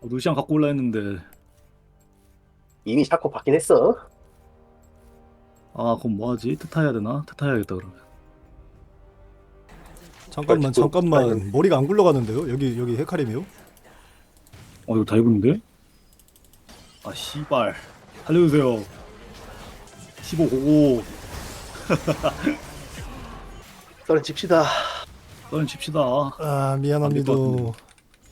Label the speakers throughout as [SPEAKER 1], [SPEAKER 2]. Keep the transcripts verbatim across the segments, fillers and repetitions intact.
[SPEAKER 1] 어, 루시안 갖고 올라 했는데.
[SPEAKER 2] 이미 샤코 받긴 했어.
[SPEAKER 1] 아 그럼 뭐하지? 트타 해야 되나? 트타 해야겠다 그러면.
[SPEAKER 3] 잠깐만
[SPEAKER 2] 또-
[SPEAKER 3] 잠깐만 머리가 안 굴러가는데요? 여기 여기 헤카림이요?
[SPEAKER 1] 어 이거 다 입었는데? 아 씨발 살려주세요. 십오 고고.
[SPEAKER 2] 썰은 칩시다.
[SPEAKER 1] 썰은 칩시다.
[SPEAKER 3] 아 미안합니다.
[SPEAKER 1] 안될것 같은데.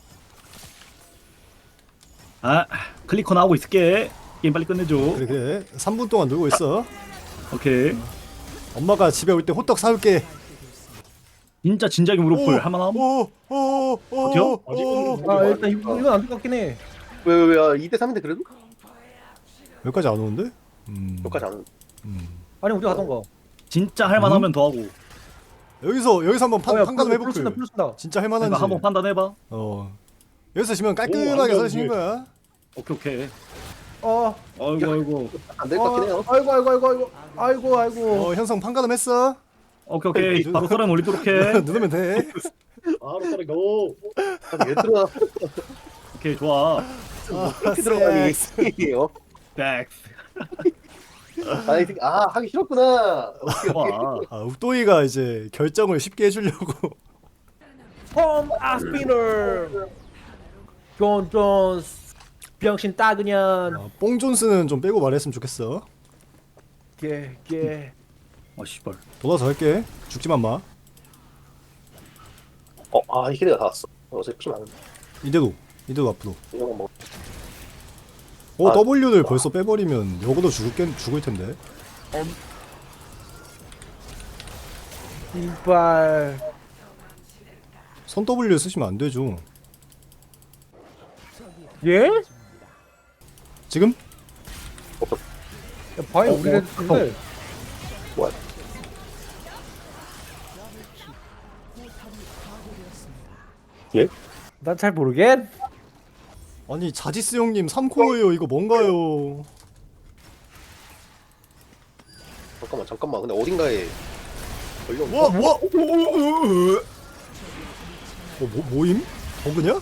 [SPEAKER 1] 아 클리커나 하고 있을게. 게임 빨리 끝내줘.
[SPEAKER 3] 그래 그래 삼 분 동안 놀고 있어.
[SPEAKER 1] 오케이.
[SPEAKER 3] 엄마가 집에 올 때 호떡 사올게.
[SPEAKER 1] 진짜 진작에 무릎을 할만함?
[SPEAKER 3] 오오오오
[SPEAKER 1] 어디요?
[SPEAKER 4] 아 일단 이거, 이건 안 똑같긴 해.
[SPEAKER 2] 왜, 왜, 왜, 이 대 삼인데 그래도?
[SPEAKER 3] 여기까지 안 오는데? 음.
[SPEAKER 2] 여기까지 안.
[SPEAKER 3] 음.
[SPEAKER 4] 아니 우리가 하던가.
[SPEAKER 1] 진짜 할만하면 더 하고.
[SPEAKER 3] 여기서 여기서 한번 판,
[SPEAKER 4] 어, 야,
[SPEAKER 3] 판단
[SPEAKER 4] 플러스,
[SPEAKER 3] 해볼게.
[SPEAKER 4] 플러스다, 플러스다.
[SPEAKER 3] 진짜
[SPEAKER 1] 내가
[SPEAKER 3] 할만한지.
[SPEAKER 1] 한번 판단해봐.
[SPEAKER 3] 어. 여기서 지면
[SPEAKER 5] 오,
[SPEAKER 3] 깔끔하게
[SPEAKER 5] 완전
[SPEAKER 3] 서시는
[SPEAKER 5] 위에.
[SPEAKER 3] 거야.
[SPEAKER 1] 오케이 오케이.
[SPEAKER 4] 어.
[SPEAKER 1] 아이고 아이고.
[SPEAKER 2] 안 될 것 같긴 해요.
[SPEAKER 4] 어, 아이고 아이고 아이고 아이고 아이고 아이고.
[SPEAKER 3] 어 현성 판가름했어.
[SPEAKER 1] 오케이 오케이. 바로 썰은 올리도록 해.
[SPEAKER 3] 누르면 돼.
[SPEAKER 5] 바로 따라 고.
[SPEAKER 2] 아니, 왜 들어가?
[SPEAKER 1] 오케이 좋아.
[SPEAKER 2] 어떻게 들어가니? 어?
[SPEAKER 1] 백.
[SPEAKER 2] 아니, 아, 하기 싫었구나.
[SPEAKER 1] 좋아.
[SPEAKER 3] 아 욱도이가 이제 결정을 쉽게 해주려고.
[SPEAKER 4] 홈 아스피너. 존 존스. 병신 따그년.
[SPEAKER 3] 아, 뽕 존스는 좀 빼고 말했으면 좋겠어.
[SPEAKER 4] 개개.
[SPEAKER 1] 아 씨발.
[SPEAKER 3] 돌아서 할게. 죽지만 마.
[SPEAKER 2] 어, 아, 이 키드가 다 왔어. 어차피 피 많은데.
[SPEAKER 3] 이대로 이대로 앞으로.
[SPEAKER 2] 이런 거 뭐.
[SPEAKER 3] 어
[SPEAKER 2] 아.
[SPEAKER 3] W를 벌써 빼버리면 요거도 죽을 죽을 텐데.
[SPEAKER 4] 이발.
[SPEAKER 3] 선 W 쓰시면 안 되죠.
[SPEAKER 4] 예? 야,
[SPEAKER 3] 지금?
[SPEAKER 4] 봐요
[SPEAKER 1] 어,
[SPEAKER 4] 우리가
[SPEAKER 1] 어,
[SPEAKER 4] 했는데.
[SPEAKER 2] 뭐야? 예?
[SPEAKER 4] 난 잘 모르겠.
[SPEAKER 3] 아니 자지스 형님 삼 코어예요. 이거 뭔가요?
[SPEAKER 2] 잠깐만, 잠깐만. 근데 어딘가에 걸려.
[SPEAKER 3] 와 와. 어, 뭐 뭐임? 버그냐?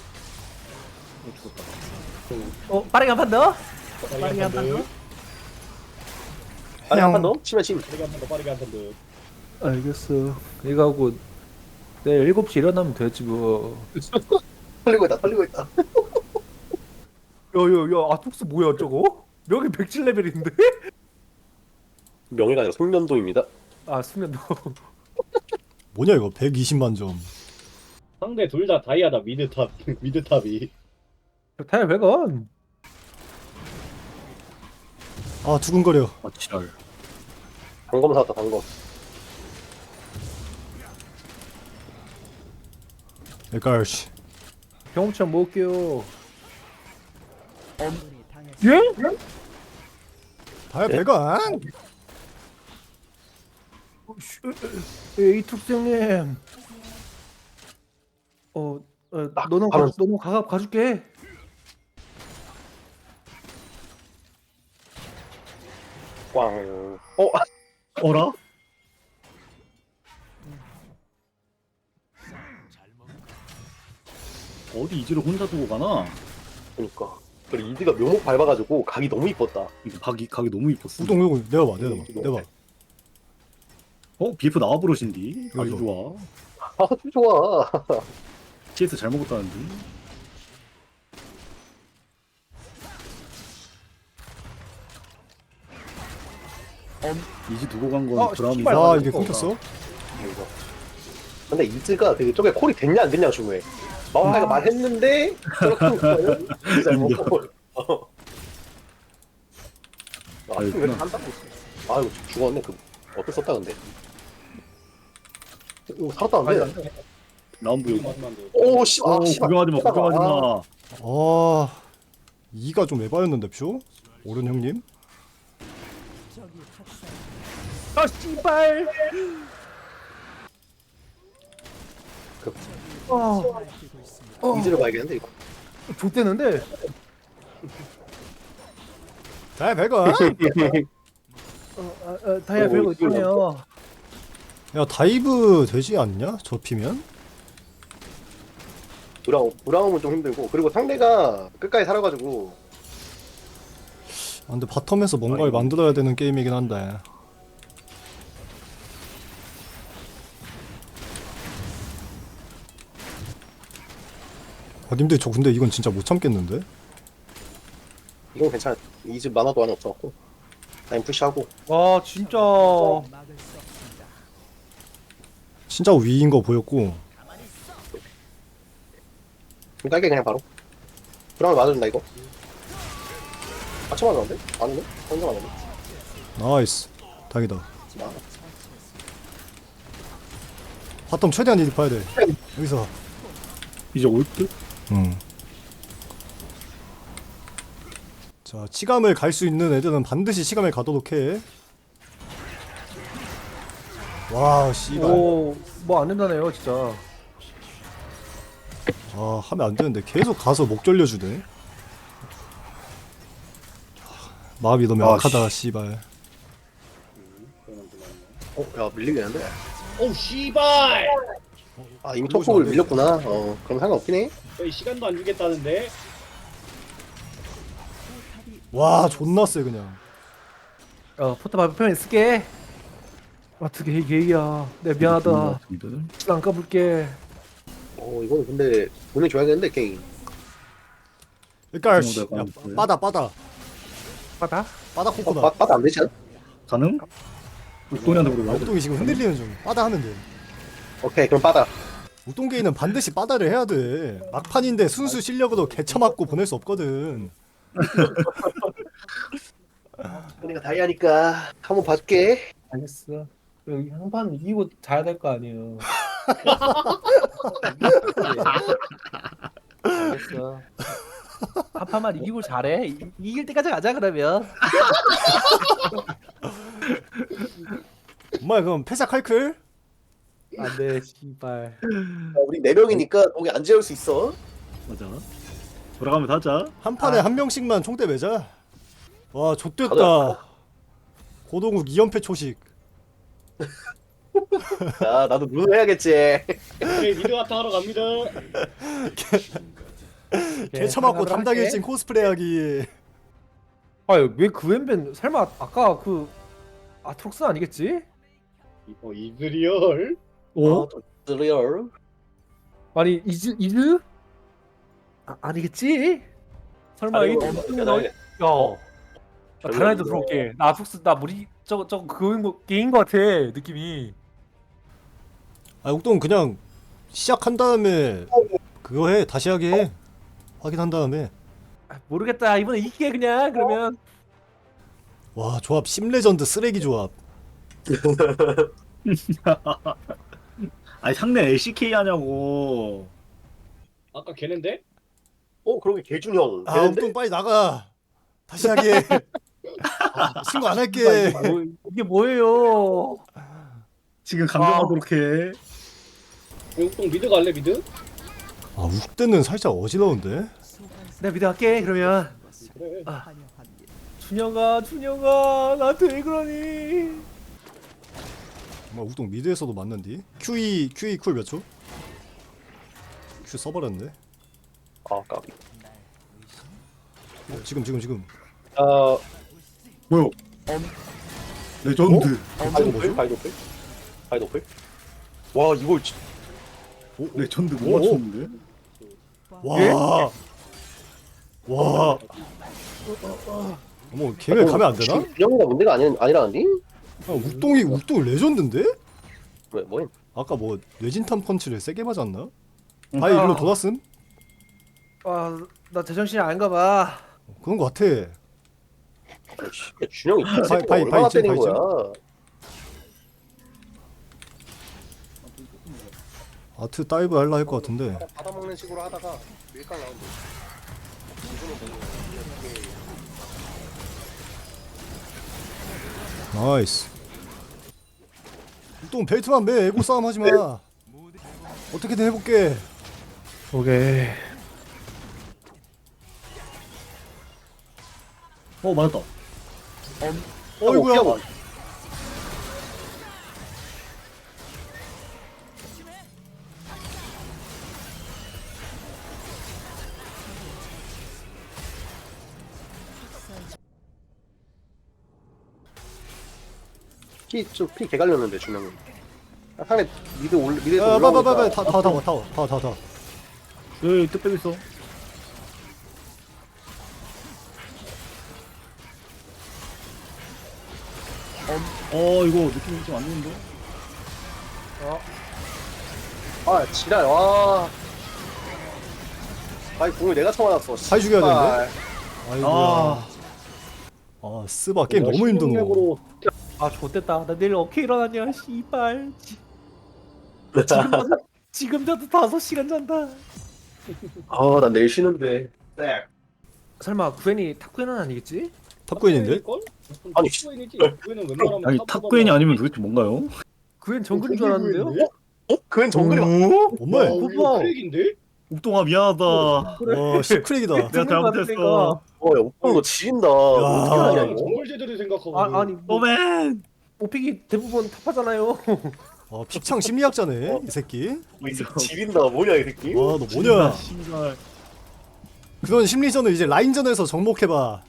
[SPEAKER 4] 어 빠르게 한 판 더. 빠르게 한 판 더.
[SPEAKER 2] 아니, 한판 더? 치면 침.
[SPEAKER 5] 빠르게 한번 더 빠르게 한번 더.
[SPEAKER 4] 알겠어. 이거 하고 내일 일곱 시 일어나면 되지 뭐.
[SPEAKER 2] 털리고 있다, 털리고 있다.
[SPEAKER 4] 야야야 아톡스 뭐야 저거? 여기 백칠 레벨인데?
[SPEAKER 2] 명예가 아니라 송년도입니다.
[SPEAKER 4] 아 수면도.
[SPEAKER 3] 뭐냐 이거 백이십만 점.
[SPEAKER 5] 상대 둘 다 다이아다 미드탑 미드탑이.
[SPEAKER 4] 타이어 백 원.
[SPEAKER 3] 아 두근거려.
[SPEAKER 1] 아 지랄.
[SPEAKER 2] 단검 사왔다, 단검.
[SPEAKER 3] 에깔씨.
[SPEAKER 4] 경험치만 먹을게요. 예?
[SPEAKER 3] 다야
[SPEAKER 2] 네?
[SPEAKER 3] 배관.
[SPEAKER 4] 에이 툭생님. 어, 어
[SPEAKER 2] 아,
[SPEAKER 4] 너는
[SPEAKER 2] 바로-
[SPEAKER 4] 가, 너는 가가 가줄게.
[SPEAKER 2] 꽝. 어, 아,
[SPEAKER 1] 어라? 어디 이지를 혼자 두고 가나?
[SPEAKER 2] 그니까. 그리고 이드가 묘목 밟아가지고 각이 너무 이뻤다.
[SPEAKER 1] 이거 각이 각이 너무 이뻤어.
[SPEAKER 3] 우동 우동 내려봐 내려봐
[SPEAKER 2] 이거.
[SPEAKER 3] 내려봐.
[SPEAKER 1] 어 비에프 나와 부르신디. 아주
[SPEAKER 3] 이거.
[SPEAKER 1] 좋아.
[SPEAKER 2] 아주 좋아.
[SPEAKER 1] 씨에스 잘 먹었다는데. 이지 두고 간 건
[SPEAKER 4] 어,
[SPEAKER 1] 브라움이.
[SPEAKER 4] 씨발.
[SPEAKER 3] 아
[SPEAKER 4] 맞아,
[SPEAKER 3] 이게
[SPEAKER 4] 이거.
[SPEAKER 3] 끊겼어?
[SPEAKER 2] 이거. 근데 이즈가 되게 저게 콜이 됐냐 안 됐냐가 중요해. 마오카이가 말했는데 저렇게 한 거는 잘 먹고. 어. 아,
[SPEAKER 1] 아유,
[SPEAKER 2] 왜 이렇게 한다고? 아 이거 죽었네. 그 어쩔 수 없다 근데. 이거 살았다는데.
[SPEAKER 1] 라운드 여기.
[SPEAKER 5] 마지막 더.
[SPEAKER 2] 오 씨. 아
[SPEAKER 1] 오
[SPEAKER 2] 씨발.
[SPEAKER 1] 구경하지 마. 구경하지 마.
[SPEAKER 3] 아 이가 좀 에바였는데 표? 오른 형님?
[SPEAKER 4] 아 씨발.
[SPEAKER 2] 그
[SPEAKER 4] 어. 어.
[SPEAKER 2] 이즈를 봐야겠는데 이거.
[SPEAKER 4] 좆대는데.
[SPEAKER 3] 다야 배관.
[SPEAKER 4] 어, 아, 아, 다이아
[SPEAKER 2] 오,
[SPEAKER 4] 별거
[SPEAKER 2] 이걸
[SPEAKER 4] 있네요.
[SPEAKER 3] 야 다이브 되지 않냐? 접히면?
[SPEAKER 2] 브라움 브라움은 좀 힘들고 그리고 상대가 끝까지 살아가지고
[SPEAKER 3] 아, 근데 바텀에서 뭔가를 만들어야 되는 게임이긴 한데. 아, 님들 저 근데 이건 진짜 못 참겠는데?
[SPEAKER 2] 이건 괜찮아. 이 집 만화도 하나 없어갖고 라인 푸시하고
[SPEAKER 4] 와 진짜
[SPEAKER 3] 진짜 위인 거 보였고.
[SPEAKER 2] 깔게 그냥 바로 브라움 맞아준다 이거. 같이 맞았는데? 아닌데? 혼자 맞았네.
[SPEAKER 3] 나이스. 다행이다.
[SPEAKER 2] 아,
[SPEAKER 3] 바텀 최대한 이득 봐야 돼. 여기서.
[SPEAKER 1] 이제 올 듯?
[SPEAKER 3] 응. 자, 치감을 갈 수 있는 애들은 반드시 치감을 가도록 해. 와, 씨발.
[SPEAKER 4] 오뭐 안 된다네요 진짜.
[SPEAKER 3] 아, 하면 안 되는데 계속 가서 목 졸려주네. 마음이 너무
[SPEAKER 1] 아,
[SPEAKER 3] 약하다, 씨발.
[SPEAKER 2] 어, 야 밀리겠는데?
[SPEAKER 5] 오 씨발.
[SPEAKER 2] 아 이미
[SPEAKER 3] 그러고
[SPEAKER 2] 톱폭을
[SPEAKER 3] 있으면 안
[SPEAKER 2] 밀렸구나. 어 그럼 상관없긴 해.
[SPEAKER 5] 저희 시간도 안 주겠다는데.
[SPEAKER 3] 와, 존나 세 그냥.
[SPEAKER 4] 어 포탑 발표편에 쓸게. 어떻게 이게 얘기야. 내 미안하다. 시간 안 까불게.
[SPEAKER 2] 어 이거는 근데 보내줘야겠는데 게임.
[SPEAKER 3] 그러니까 씨,
[SPEAKER 1] 내가
[SPEAKER 3] 야,
[SPEAKER 1] 봤어요.
[SPEAKER 3] 빠다 빠다.
[SPEAKER 4] 받아?
[SPEAKER 3] 빠다
[SPEAKER 2] 어,
[SPEAKER 3] 코코다.
[SPEAKER 2] 빠, 빠도 안 되지 않아?
[SPEAKER 1] 가능? 욱동이한테 물어봐.
[SPEAKER 3] 우동이 지금 흔들리는 중. 빠다 하면 돼.
[SPEAKER 2] 오케이 그럼 빠다.
[SPEAKER 3] 우동게이는 반드시 빠다를 해야 돼. 막판인데 순수 실력으로 개쳐맞고 보낼 수 없거든.
[SPEAKER 2] 내가 다이아니까 한번 봐줄게.
[SPEAKER 4] 알겠어. 여기 한판 이기고 자야 될 거 아니에요. 알겠어. 한 판만 이기고 잘해. 이, 이길 때까지 가자 그러면.
[SPEAKER 3] 엄마 그럼 패사 칼클?
[SPEAKER 4] 안돼 씨발.
[SPEAKER 2] 야, 우리 네 명이니까 거기 안 재울 수 있어.
[SPEAKER 1] 맞아. 돌아가면서 하자.
[SPEAKER 3] 한 판에
[SPEAKER 4] 아.
[SPEAKER 3] 한 명씩만 총대 매자. 와, 좆됐다.
[SPEAKER 2] 가자.
[SPEAKER 3] 고동욱 이 연패 초식.
[SPEAKER 2] 야 나도 룬 해야겠지.
[SPEAKER 5] 저희 미드 아타 하러 갑니다.
[SPEAKER 3] 개쳐맞고 담당 일진 코스프레 하기.
[SPEAKER 4] 아왜 그웬벤 설마 아까 그 아트록스 아니겠지?
[SPEAKER 5] 어 이즈리얼.
[SPEAKER 1] 어?
[SPEAKER 2] 어? 리얼.
[SPEAKER 4] 아니 이즈 이즈? 아, 아니겠지? 설마 이
[SPEAKER 2] 야, 나-
[SPEAKER 4] 야. 나 다른 애들 들어올게. 나 아트록스 나 무리 저거 저거 그거인 거 게임 거 같아 느낌이.
[SPEAKER 3] 아, 옥동 그냥 시작한 다음에 그거 해. 다시 하게 해. 확인한 다음에.
[SPEAKER 4] 아, 모르겠다 이번에 이기게 그냥 그러면.
[SPEAKER 3] 와, 조합 심레전드 쓰레기 조합.
[SPEAKER 1] 아니 상대 엘씨케이 하냐고.
[SPEAKER 5] 아까 걔는데?
[SPEAKER 2] 어 그러게 개준형.
[SPEAKER 3] 아,
[SPEAKER 2] 되는데?
[SPEAKER 3] 옥동 빨리 나가. 다시 하게 해. 신고 안 할게.
[SPEAKER 4] 뭐, 이게 뭐예요?
[SPEAKER 1] 지금 감정하도록 해.
[SPEAKER 5] 용통 미드 갈래 미드?
[SPEAKER 3] 아, 욱대는 살짝 어지러운데?
[SPEAKER 4] 내가 미드 할게 그러면.
[SPEAKER 5] 그래.
[SPEAKER 4] 준영아 준영아 나한테 왜 그러니?
[SPEAKER 3] 뭐 욱동 미드에서도 맞는디? 큐이 큐이 쿨 몇 초? 큐 써버렸네.
[SPEAKER 2] 아 까비.
[SPEAKER 3] 어, 지금 지금 지금.
[SPEAKER 2] 아
[SPEAKER 1] 뭐야? 레전드.
[SPEAKER 2] 바이도플 바이도플 바이도플. 와 이걸 지-
[SPEAKER 1] 레전드
[SPEAKER 3] 오,
[SPEAKER 1] 못 맞췄는데?
[SPEAKER 3] 와. 와. 어머, 걔네 가면 안 되나?
[SPEAKER 2] 준영이가 문제가 아니 아니라니?
[SPEAKER 3] 아, 욱동이 욱동 레전드인데?
[SPEAKER 2] 왜 뭐임?
[SPEAKER 3] 아까 뭐 뇌진탄 펀치를 세게 맞았나? 바이 일로 돌았음?
[SPEAKER 4] 아나 제정신이 아닌가 봐.
[SPEAKER 3] 그런 거 같아.
[SPEAKER 2] 씨, 준영이 이
[SPEAKER 3] 바이,
[SPEAKER 2] 새끼가
[SPEAKER 3] 바이,
[SPEAKER 2] 얼마나
[SPEAKER 3] 바이 찜,
[SPEAKER 2] 때린
[SPEAKER 3] 바이 찜.
[SPEAKER 2] 거야?
[SPEAKER 3] 아트 다이브 할라 할 것 같은데.
[SPEAKER 2] 받아먹는 식으로 하다가 밀가 나온다.
[SPEAKER 3] 나이스. 욱동 벨트만 매. 에고 싸움 하지 마. 어떻게든 해볼게.
[SPEAKER 4] 오케이.
[SPEAKER 1] 어 맞았다.
[SPEAKER 3] 어이구야.
[SPEAKER 2] 피좀피 개갈렸는데 주명은. 아, 상대 미드 올 미드에서
[SPEAKER 3] 야,
[SPEAKER 2] 올라오니까.
[SPEAKER 3] 빨빨빨빨 타워 타워 타워 타워 타워 타워.
[SPEAKER 1] 여기 뜻 빼고 있어. 어 이거 느낌이 좀 안 좋은데?
[SPEAKER 2] 아 지랄 와. 아이 공을 내가 쳐맞았어.
[SPEAKER 3] 잘 죽여야
[SPEAKER 2] 되는데.
[SPEAKER 3] 아이고.
[SPEAKER 1] 아.
[SPEAKER 3] 아 스바 게임 너무 힘드노.
[SPEAKER 5] 신용력으로
[SPEAKER 4] 아 좋댔다. 나 내일 어떻게 일어나냐 씨발. 지금 자도 지금 자도 다섯 시간 잔다.
[SPEAKER 2] 아난 내일 쉬는데. 네.
[SPEAKER 4] 설마 구엔이 탑구엔은 아니겠지?
[SPEAKER 3] 탑구인인데?
[SPEAKER 2] 아니,
[SPEAKER 5] 탑구인이지. 탑구인은 웬만하면
[SPEAKER 1] 아니 탑구엔이 아니면 도대체 뭔가요?
[SPEAKER 4] 구엔 정글인 줄 알았는데요?
[SPEAKER 2] 어? 그건 정글이 맞.
[SPEAKER 3] 엄마야.
[SPEAKER 5] 어, 이거 크랙인데?
[SPEAKER 1] 옥동아 미안하다.
[SPEAKER 3] 와 시크랙이다.
[SPEAKER 1] 내가 잘못했어.
[SPEAKER 2] 어, 야, 오빠 너 지린다.
[SPEAKER 3] 야.
[SPEAKER 2] 어떻게 하냐
[SPEAKER 5] 아,
[SPEAKER 2] 이거?
[SPEAKER 5] 정글 제대로 생각하고.
[SPEAKER 4] 아 아니 뭐,
[SPEAKER 1] 오맨.
[SPEAKER 4] 오픽이 대부분 탑하잖아요.
[SPEAKER 3] 아 픽창 심리학자네 이 새끼.
[SPEAKER 2] 이 새끼 지린다. 뭐냐 이 새끼?
[SPEAKER 3] 와 너 뭐냐?
[SPEAKER 1] 신발.
[SPEAKER 3] 그런 심리전을 이제 라인전에서 접목해봐.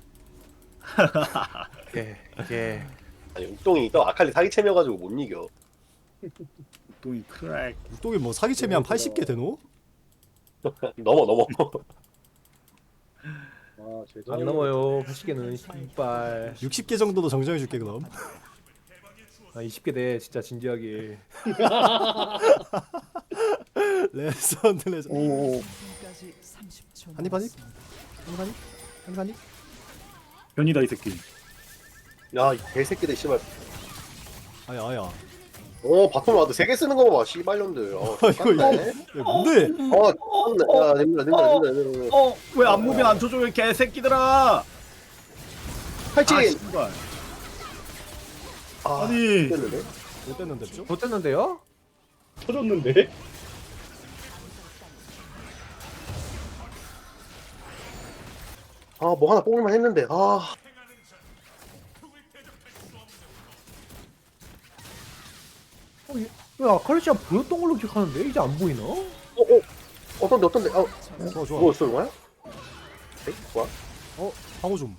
[SPEAKER 4] 예 예.
[SPEAKER 2] 아니 욱동이 또 아칼리 사기 채며가지고 못 이겨.
[SPEAKER 1] 옥동이 크랙.
[SPEAKER 3] 욱동이 뭐 사기챔이 한 팔십 개 되노?
[SPEAKER 2] 넘어 넘어.
[SPEAKER 5] 아, 제대로.
[SPEAKER 4] 안 넘어요. 팔십 개는 씨발.
[SPEAKER 3] 육십 개 정도도 정정해줄게 그럼.
[SPEAKER 4] 아 이십 개 돼 진짜 진지하게.
[SPEAKER 3] 레전드 레전드.
[SPEAKER 1] 오.
[SPEAKER 3] 한입 한입? 한입 한입? 한입 한입?
[SPEAKER 1] 변이다 이 새끼.
[SPEAKER 2] 야, 이 개새끼들 씨발.
[SPEAKER 3] 아야 아야.
[SPEAKER 2] 어, 바텀 와도 세 개 쓰는 거 봐. 씨발년들. 어,
[SPEAKER 3] 아, 이거, 이거.
[SPEAKER 2] 네
[SPEAKER 3] 야, 뭔데?
[SPEAKER 2] 어, 참네. 야, 됩니다, 됩니다, 됩니다, 됩니다.
[SPEAKER 1] 어, 왜 안무빙 안 쳐줘, 이 개새끼들아!
[SPEAKER 2] 팔찌.
[SPEAKER 1] 아, 씨발.
[SPEAKER 2] 아,
[SPEAKER 1] 아니.
[SPEAKER 2] 됐는데?
[SPEAKER 3] 못 됐는데 죠?
[SPEAKER 4] 못됐는데요?
[SPEAKER 5] 터졌는데?
[SPEAKER 2] 아, 뭐 하나 뽑을만 했는데. 아,
[SPEAKER 4] 어, 얘- 왜 아칼리씨가 보였던 걸로 기억하는데 이제 안 보이나?
[SPEAKER 2] 어, 어, 어떤데, 어떤데? 어,
[SPEAKER 3] 좋아 좋아.
[SPEAKER 2] 뭐 쓰는 거야? 에이, 좋아.
[SPEAKER 3] 어 방어 좀.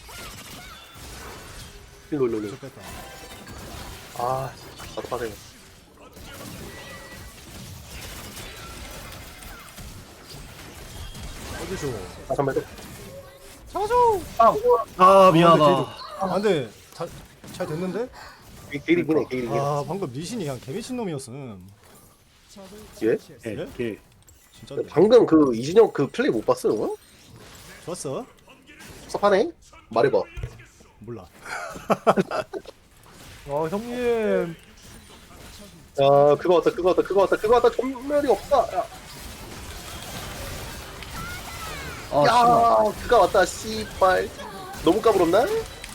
[SPEAKER 2] 일로, 일로, 일로.
[SPEAKER 3] 저 뺐다.
[SPEAKER 2] 아, 나도 빠져요.
[SPEAKER 3] 어디서?
[SPEAKER 2] 아, 잠깐만.
[SPEAKER 1] 아, 미안하다.
[SPEAKER 3] 아 근데 잘, 잘 됐는데?
[SPEAKER 2] 게일이긴 해, 게일이긴 해.
[SPEAKER 3] 아 방금 리신이 그냥 개미친 놈이었음.
[SPEAKER 2] 예?
[SPEAKER 1] 개, 개.
[SPEAKER 3] 진짜
[SPEAKER 2] 방금 그 이진영 그 플레이 못 봤어, 너?
[SPEAKER 3] 좋았어?
[SPEAKER 2] 섭하네? 말해봐.
[SPEAKER 3] 몰라.
[SPEAKER 4] 어 형님.
[SPEAKER 2] 야, 그거 왔다, 그거 왔다, 그거 왔다, 그거 왔다. 전멸이 없다. 야,
[SPEAKER 1] 아, 씨발.
[SPEAKER 2] 야 그거 왔다, 씨발. 너무 까불었나?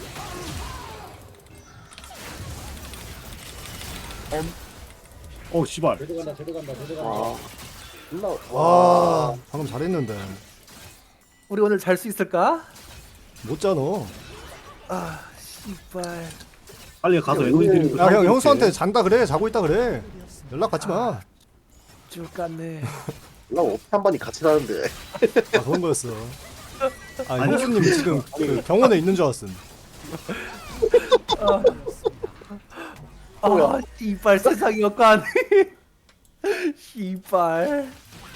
[SPEAKER 1] 어, 씨발.
[SPEAKER 5] 제대로 간다, 제대로 간다, 제대로 간다.
[SPEAKER 2] 와, 존나.
[SPEAKER 3] 와 방금 잘했는데
[SPEAKER 4] 우리 오늘 잘 수 있을까?
[SPEAKER 3] 못 자 너.
[SPEAKER 4] 아 씨발.
[SPEAKER 1] 빨리 가서
[SPEAKER 2] 야,
[SPEAKER 1] 에너지 드링크.
[SPEAKER 3] 야 형
[SPEAKER 1] 사올게.
[SPEAKER 3] 형수한테 잔다 그래 자고 있다 그래. 연락 받지 마.
[SPEAKER 4] 줄 깠네.
[SPEAKER 2] 나 한 번이 같이 사는데.
[SPEAKER 3] 아 그런 거였어. 아 형수님 지금 그 병원에 있는 줄 알았음.
[SPEAKER 4] 아 씨발 세상이 역관. 씨발.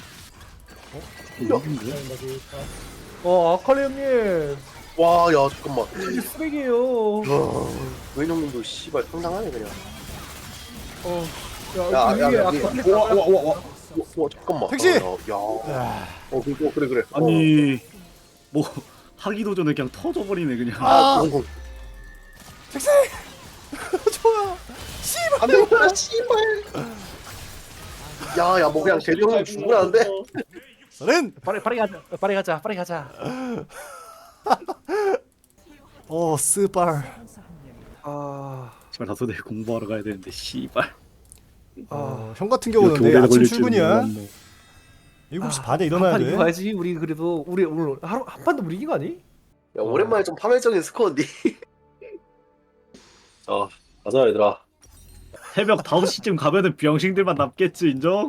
[SPEAKER 1] 이긴데?
[SPEAKER 4] 어 아칼리 형님.
[SPEAKER 2] 와, 야, 잠깐만.
[SPEAKER 4] 이게 쓰레기예요.
[SPEAKER 2] 와, 웨이놈님도 씨발 상당하네 그냥.
[SPEAKER 4] 어. 야,
[SPEAKER 2] 야,
[SPEAKER 4] 그
[SPEAKER 2] 야,
[SPEAKER 4] 위에
[SPEAKER 2] 야,
[SPEAKER 4] 아칼리
[SPEAKER 2] 와, 와, 와, 와, 와, 와, 잠깐만.
[SPEAKER 3] 택시!
[SPEAKER 2] 어, 야, 야. 어, 그래, 그래, 그래.
[SPEAKER 1] 아니, 뭐, 하기도 전에 그냥 터져버리네, 그냥.
[SPEAKER 2] 아, 어,
[SPEAKER 3] 택시! 좋아.
[SPEAKER 2] 안 되겠다, 씨발. 야, 야, 뭐 그냥 대중은 죽으라는데?
[SPEAKER 3] 서렌.
[SPEAKER 4] 빠르게 빠르게 가자. 빠르게 가자. 빠르게 가자.
[SPEAKER 3] 어 스발.
[SPEAKER 4] 아.
[SPEAKER 1] 씨발, 다소 내일 공부하러 가야 되는데, 씨발.
[SPEAKER 4] 아.
[SPEAKER 3] 형 같은 경우는
[SPEAKER 1] 이렇게
[SPEAKER 3] 내일
[SPEAKER 1] 오래
[SPEAKER 3] 아침
[SPEAKER 1] 걸릴 줄은
[SPEAKER 3] 출근이야.
[SPEAKER 1] 몰랐네.
[SPEAKER 3] 일곱 시
[SPEAKER 4] 아,
[SPEAKER 3] 반에 일어나야
[SPEAKER 4] 한판
[SPEAKER 3] 돼.
[SPEAKER 4] 이겨야지. 우리 그래도 우리 오늘 하루 한 판도 못 이긴 거 아니?
[SPEAKER 2] 야, 오랜만에 좀 파멸적인 스코어인데. 어, 가자, 얘들아.
[SPEAKER 1] 새벽 다섯 시쯤 가면은 병신들만 남겠지, 인정?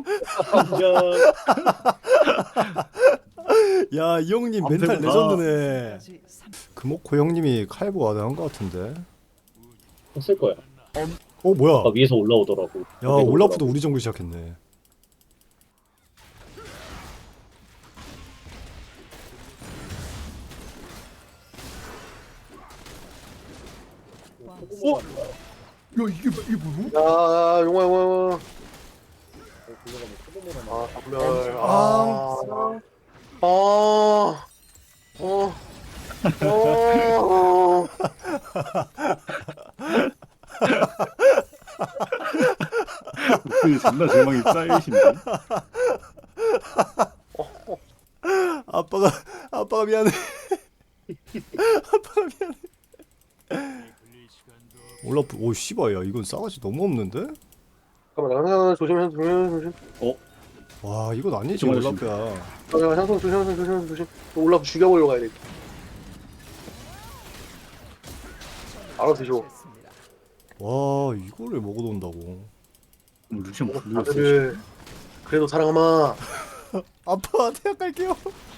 [SPEAKER 3] 야 이 형님 멘탈
[SPEAKER 1] 밤새구나.
[SPEAKER 3] 레전드네. 금옥호 형님이 칼보 와드한 것 같은데.
[SPEAKER 5] 없을 거야.
[SPEAKER 3] 어 뭐야?
[SPEAKER 5] 아까 위에서 올라오더라고.
[SPEAKER 3] 야
[SPEAKER 5] 위에서
[SPEAKER 3] 올라프도
[SPEAKER 5] 올라오고.
[SPEAKER 3] 우리 정글 시작했네.
[SPEAKER 5] 어?
[SPEAKER 4] 야 이게 이게 뭐야?
[SPEAKER 2] 야 용화 용화 용화.
[SPEAKER 5] 아,
[SPEAKER 2] 아 정멸. 아. 아. 어. 어.
[SPEAKER 1] 그 존나 절망이 쌓이신데.
[SPEAKER 3] 아빠가 아빠가 미안해. 아빠가 미안해. 올라프 오 씨발 야 이건 싸가지 너무 없는데?
[SPEAKER 2] 잠깐만 나 조심 조심 조심 조심.
[SPEAKER 3] 와 이건 아니지
[SPEAKER 1] 정말
[SPEAKER 3] 올라프야.
[SPEAKER 2] 아, 향성 조심 향성 조심 조심. 올라프 죽여보려고 가야 돼. 알아서 드시오.
[SPEAKER 3] 와 이거를 먹어놓는다고.
[SPEAKER 1] 루시안 불렸어.
[SPEAKER 2] 다들 그래도 사랑하마.
[SPEAKER 3] 아빠 대학 갈게요.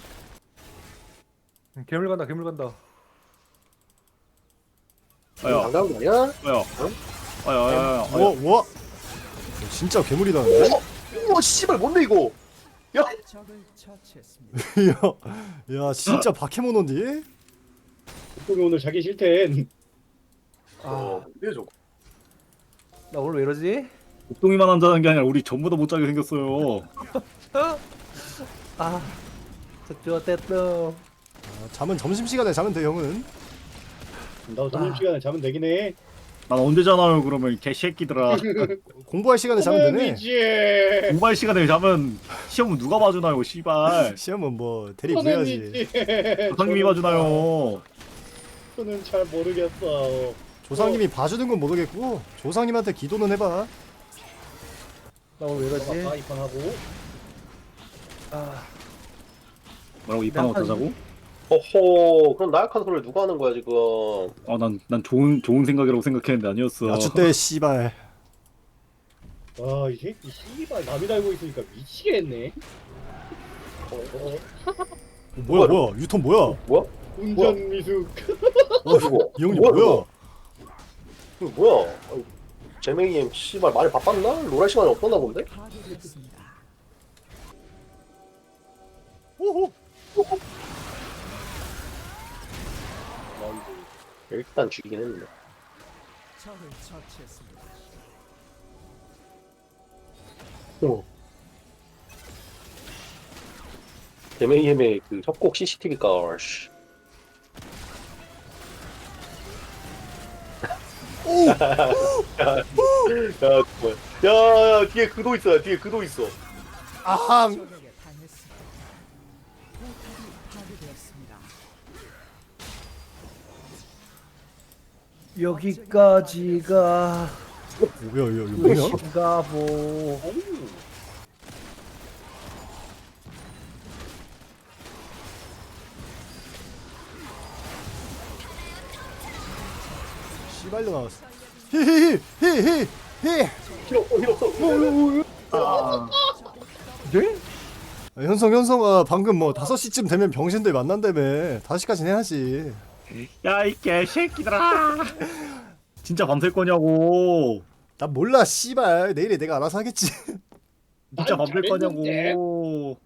[SPEAKER 4] 괴물 간다 괴물 간다.
[SPEAKER 1] 아야,
[SPEAKER 2] 반가운 거 아니야?
[SPEAKER 1] 아야, 아야, 아야, 아야.
[SPEAKER 3] 뭐 뭐? 진짜 괴물이다는데?
[SPEAKER 2] 우와 씨발 뭔데 이거? 야.
[SPEAKER 3] 야, 야 진짜 바케모노인데?
[SPEAKER 5] 옥동이 오늘 자기 싫댄.
[SPEAKER 2] 어. 이게 좀.
[SPEAKER 4] 나 오늘 왜 이러지?
[SPEAKER 1] 옥동이만 한다는 게 아니라 우리 전부 다 못 자게 생겼어요.
[SPEAKER 4] 아, 저 됐다.
[SPEAKER 3] 아, 잠은 점심시간에 자면 돼 형은.
[SPEAKER 5] 나도 점심시간에 자면 되긴 해.
[SPEAKER 1] 난 언제 자나요 그러면 개새끼들아.
[SPEAKER 3] 공부할 시간에 자면 되네.
[SPEAKER 5] 이지.
[SPEAKER 1] 공부할 시간에 자면 시험은 누가 봐주나요 씨발.
[SPEAKER 3] 시험은 뭐 대리 구해야지.
[SPEAKER 1] 조상님이 봐주나요.
[SPEAKER 5] 저는 잘 모르겠어.
[SPEAKER 3] 조상님이 봐주는 건 모르겠고 조상님한테 기도는 해봐.
[SPEAKER 4] 나 오늘 왜
[SPEAKER 5] 다
[SPEAKER 4] 이러지?
[SPEAKER 5] 입판하고.
[SPEAKER 4] 아,
[SPEAKER 1] 뭐라고 이 판 어쩌자고?
[SPEAKER 2] 허허. 그럼 나약한 소리를 누가 하는 거야 지금?
[SPEAKER 1] 아 난 난 좋은 좋은 생각이라고 생각했는데 아니었어.
[SPEAKER 3] 야주 때 씨발.
[SPEAKER 5] 와, 이 새끼 씨발 남이 달고 있으니까 미치겠네. 어, 어,
[SPEAKER 3] 뭐야 뭐야 유턴 뭐야?
[SPEAKER 2] 뭐야?
[SPEAKER 5] 운전 미숙.
[SPEAKER 2] 어 이거?
[SPEAKER 3] 이 형님
[SPEAKER 2] 뭐야,
[SPEAKER 3] 뭐야?
[SPEAKER 2] 이거 뭐야? 아니, 제맹이 씨발 많이 바빴나? 로랄 시간이 없었나 본데?
[SPEAKER 3] 오호.
[SPEAKER 2] 일단 죽이긴 했는데. 어. 제맹이의 그 협곡 씨씨티비가 씨.
[SPEAKER 3] 오.
[SPEAKER 2] 야, 뭐야? 야, 야, 뒤에 그도 있어. 뒤에 그도 있어.
[SPEAKER 3] 아함.
[SPEAKER 6] 적에게 당했습니다. 포탑이 파괴되었습니다.
[SPEAKER 4] 여기까지가
[SPEAKER 3] 뭐야 이거 이거 뭐냐?
[SPEAKER 4] 끝인가 보.
[SPEAKER 3] 씨발로 나왔어. 히히히히히히.
[SPEAKER 2] 필요 없어, 필요 없어.
[SPEAKER 1] 아,
[SPEAKER 4] 네?
[SPEAKER 3] 아, 현성 현성아 방금 뭐 다섯 시쯤 되면 병신들 만난다며. 다섯 시까지 해야지.
[SPEAKER 1] 야이 개새끼들아. 진짜 밤샐 거냐고.
[SPEAKER 3] 나 몰라 씨발. 내일에 내가 알아서 하겠지.
[SPEAKER 1] 진짜
[SPEAKER 5] 난
[SPEAKER 1] 밤샐
[SPEAKER 5] 잘했는데.
[SPEAKER 1] 거냐고.